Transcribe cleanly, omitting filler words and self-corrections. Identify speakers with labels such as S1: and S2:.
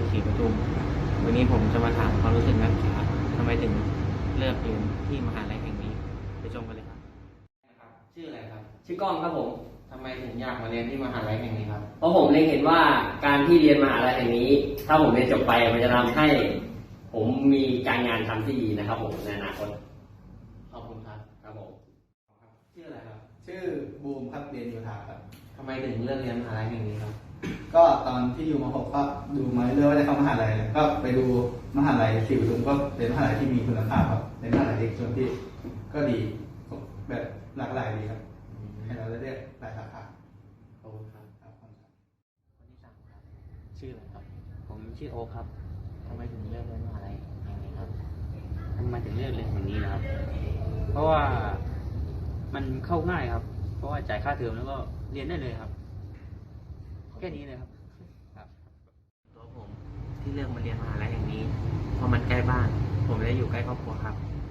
S1: ศรีปทุมวันนี้ผมจะมาถามความรู้สึกนักศึกษาทำไมถึงเลือกเรียนที่มหาลัยแห่งนี้ไปชมกันเลยครับชื่ออะไรครับ
S2: ชื่อกล้องครับผม
S1: ทำไมถึงอยากมาเรียนที่มหาลัยแห่งนี้ครับ
S2: เพราะผมเล็งเห็นว่าการที่เรียนมหาลัยแห่งนี้ ถ้าผมเรียนจบไปมันจะทำให้ผมมีการงานทำที่ดีนะครับผมในอนาคต
S1: ขอบคุณครับ
S2: ครับผม
S1: ชื่ออะไรครับ
S3: ชื่อบูมครับเรียนโยธาครับ
S1: ทำไมถึงเลือกเรียนมหาลัยแห่งนี้ครับ
S3: ก็ตอนที่อยู่ม .6 ก็ดูมาเรื่อยๆว่าจะเข้ามหาลัยก็ไปดูมหาลัยศรีปทุมก็เป็นมหาลัยที่มีคุณภาพครับเป็นมหาลัยเอกชนที่ก็ดีแบบหลากหลายดีครับให้เราได้เรียกหลายสาขา
S1: ขอบคุณครับ
S3: ครับ
S1: คนที่สามครับชื่ออะไรครับผมชื่อโอครับทำไมถึงเลือกเรียนมหาลัยแห่งนี้ครับ
S4: ทำไมถึงเลือกเรียนแห่งนี้นะครับ เพราะว่ามันเข้าง่ายครับ เพราะว่าจ่ายค่าเทอมแล้วก็เรียนได้เลยครับ แค่นี้เลยครับ
S1: ตัวผมที่เลือกมาเรียนมหาลัยแห่งนี้เพราะมันใกล้บ้านผมได้อยู่ใกล้ครอบครัวครับ